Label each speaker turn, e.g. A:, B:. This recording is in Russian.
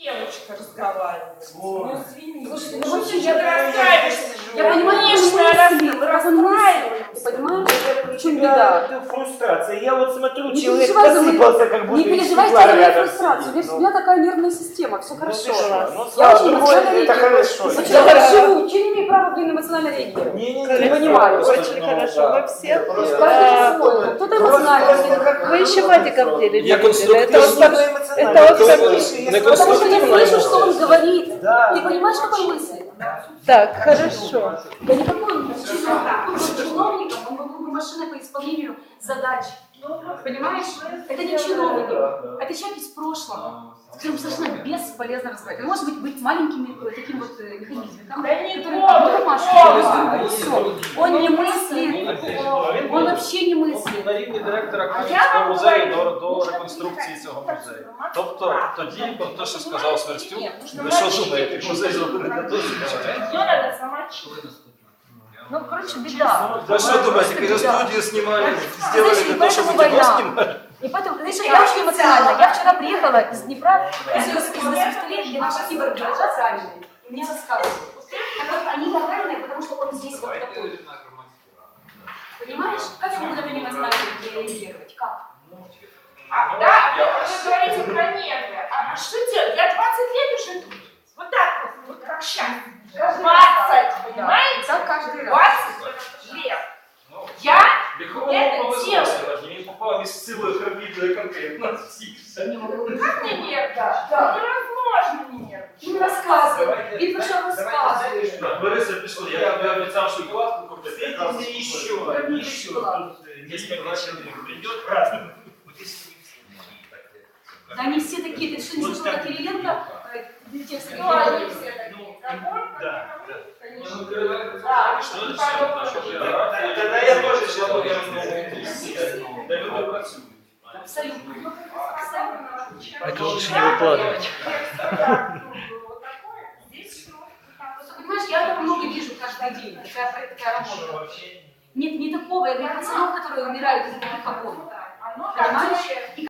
A: девочка разговаривает. Ну, извини.
B: Слушайте,
A: Ну,
B: вообще
A: я расстраиваюсь.
B: Я понимаю,
A: конечно, расстраиваюсь.
B: Понимаешь, в чем
C: Да,
B: беда?
C: это фрустрация. Я вот смотрю,
B: Не
C: человек
B: переживай за мою-
C: посыпался, как будто
B: Не
C: из
B: переживайте
C: стекла
B: за мою
C: рядом
B: фрустрацию.
C: сидит.
B: У меня такая нервная система, все
C: Ну,
B: хорошо.
C: ты что? Ну,
B: Я
C: слава
B: очень
C: богу,
B: эмоционально
C: это
B: реагирую.
C: хорошо.
B: Ну что, я так живу, что не имею права, эмоционально реагировать?
C: Не
B: понимаю.
A: Очень хорошо. Мы все.
B: Каждый по-своему. Кто-то эмоционально реагирует.
A: Вы еще Вадика в деле
D: Я
A: видели. Это он
D: конструктивно.
A: так- это он так-
B: Потому что я слышу, что он говорит.
C: Да.
B: Ты понимаешь, какой мысль?
A: Так, хорошо.
B: Да никакой он чиновником, он был бы машиной по исполнению задач. Понимаешь? Это не чиновник, это человек из прошлого, с которым совершенно бесполезно разговаривать. Он может быть маленьким таким вот механизмом,
A: Да не
B: который
A: помню.
B: все. Он не мыслит, он вообще не мыслить.
D: На рівні директора
A: А
D: Київського
A: я
D: музею
A: говорю,
D: до
A: нужно
D: реконструкції
A: передати
D: цього
A: інформацію.
D: музею. Тобто тоді про те, що сказав Сверстюк,
A: Ні, нужно
D: ви що
A: мовчати.
D: думаєте, музей зробили для того, щоб читати?
A: Ее надо замочить. Ну, короче, беда.
D: Ви що думаєте, коли студію знімали, зробили
B: Знаешь,
D: для
B: и
D: того, щоб
B: поэтому
D: кіно
B: война.
D: знімали?
B: И поэтому, знаешь, я очень эмоциональна. Я вчера приехала из Днепра, из Москвы, где наши киборги лежат раненые. И мне рассказывают. Так вот, они раненые, потому что он здесь вот такой. Понимаешь? Как я буду на него эмоционально реагировать? Как?
A: Да, вы говорите про нервы. А что делать? Я 20 лет уже тут. Вот так вот как сейчас. 20, понимаете?
B: Так каждый раз.
A: 20 лет. Я
D: Віховому
A: Это
D: повезло
A: дело.
D: сьогодні, він попав із силою карбідної конкретно на всіх. Все.
A: как мне нервно? Да. Невозможно мне нервно.
B: Им рассказывай. Им что рассказываешь.
D: Бориса пішло, я тобі обіцяв шоколадку купити. якраз
C: Встретите еще,
B: Как
C: еще.
B: шоколад.
C: Тут несколько человек придет праздновать.
B: Да они все такие. Ты что, не
C: Вот
B: слышал,
C: так.
B: как Кириленко текст
A: Ну, они все такие.
C: Да.
A: Конечно.
D: Ну, передали,
A: Да,
D: що
A: и
D: це
A: потом
D: все,
A: уже.
C: Тогда я тоже человек.
D: де люди працюють.
B: Абсолютно.
A: Это
D: лучше не выкладывать.
B: Просто, понимаешь, я этого много вижу каждый день. Такая работа. Нет, не такого. Я говорю, пацанов, которые умирают из таких окон.
A: Оно
B: Понимаешь?
A: так,